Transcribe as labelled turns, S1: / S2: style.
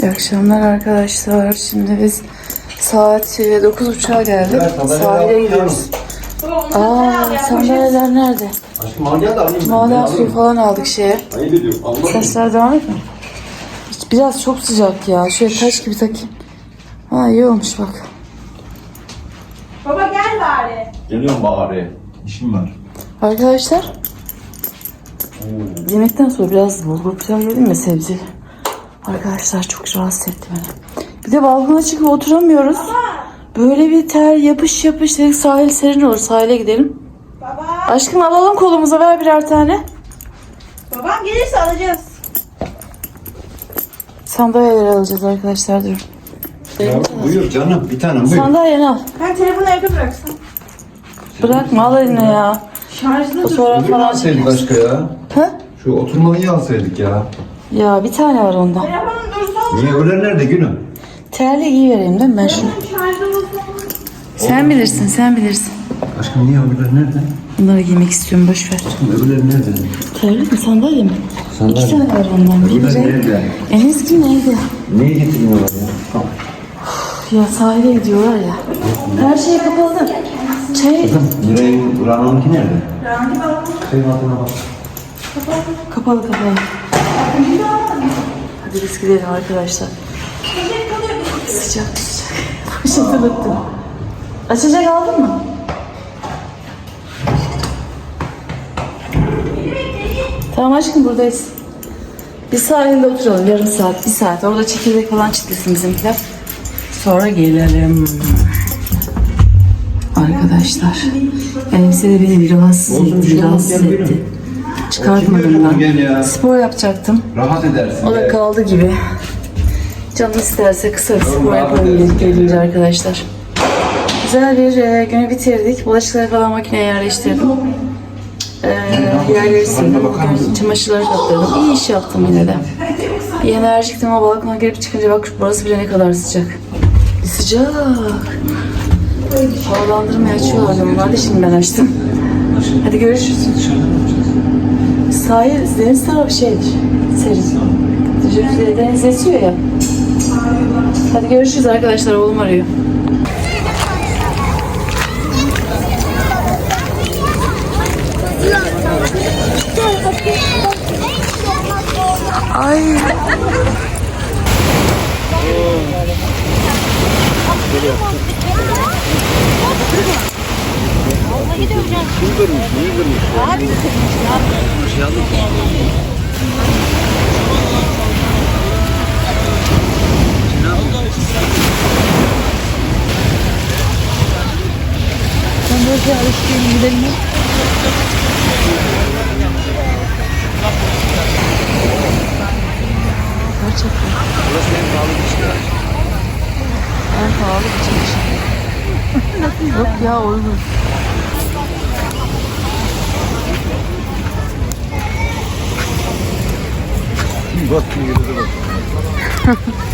S1: İyi akşamlar arkadaşlar. Şimdi biz saat 9.30'a geldik. Sahile gidiyoruz. Sandalyeler nerede?
S2: Aşkım al gel de alayım.
S1: Maden suyu falan aldık şeye.
S2: Ayıp ediyorum. Allah
S1: Sesler devam etmiyor. Biraz çok sıcak ya. Şöyle taş gibi takayım. Ha iyi olmuş bak.
S3: Baba gel bari.
S2: Geliyorum bari. İşim var.
S1: Arkadaşlar. Yemekten sonra biraz bulgur pilav yedim ya, sebze. Arkadaşlar çok rahatsız etti beni. Bir de balkona çıkıp oturamıyoruz. Böyle bir ter yapış yapış dedik, sahil serin olur, sahile gidelim.
S3: Baba.
S1: Aşkım alalım kolumuza, ver birer tane.
S3: Babam gelirse alacağız.
S1: Sandalyeleri alacağız arkadaşlar, dur.
S2: Ya, buyur canım bir tanem buyur.
S1: Sandalyeni al.
S3: Ben telefonu evde bıraksam.
S1: Bırakma, al eline ya.
S3: Şarjda dur.
S1: Fotoğraf
S2: Öbürünü
S1: falan
S2: alsaydık
S1: çekeriz.
S2: başka ya.
S1: Ha?
S2: Şu oturmalıyı alsaydık ya.
S1: Ya bir tane var ondan.
S3: Telefonum dursun.
S2: Niye öyle nerede gülüm?
S1: Terli giyivereyim değil mi ben şunu?
S3: Şarjda dursun.
S1: Sen bilirsin, sen bilirsin.
S2: Aşkım niye öbürleri nerede?
S1: Bunları giymek istiyorum, boş ver.
S2: Öbürleri nerede?
S1: Terli mi, sandalye mi?
S2: Sandalye.
S1: 2 tane var ondan.
S2: Öbürleri
S1: Biri
S2: nerede?
S1: en eski neydi?
S2: Niye getirmiyorlar ya?
S1: Ya sahile gidiyorlar ya. Her şey kapalı.
S2: Miray'ın Rana'nınki nerede?
S3: Rangi babam.
S2: Şeyin altına bak.
S1: Kapalı. Hadi biz gidelim arkadaşlar. Sıcak. Poşeti unuttum. Açacak aldın mı? Tamam aşkım, buradayız. Bir sahilde oturalım, yarım saat, 1 saat. Orada çekirdek falan çitlesin bizimkiler. Sonra gelelim. Arkadaşlar, elbise de beni bir rahatsız etti. Çıkartmadım ben. Spor yapacaktım.
S2: Rahat edersin.
S1: O da kaldı gibi. Canım isterse kısa bir spor yapalım gelince arkadaşlar. Güzel bir günü bitirdik. Bulaşıkları falan makineye yerleştirdim. Yerleri sildim. Bugün çamaşırları katladım. İyi iş yaptım yine de. Bir enerjiktim ama balkona girip çıkınca bak burası bile ne kadar sıcak. Sıcak. Havalandırmayı açıyorlar normalde, şimdi ben açtım. Hadi görüşürüz. Sahil, deniz tarafı şeydir, serin. Deniz esiyor ya. Hadi görüşürüz arkadaşlar, oğlum arıyor. Ay. Ben böyle alıştığım gidelim mi? Gerçekten.
S2: Burası en pahalı bir şey.
S1: En pahalı bir çeşit. Yok ya, uygun.
S2: Bak, yürüdü bak.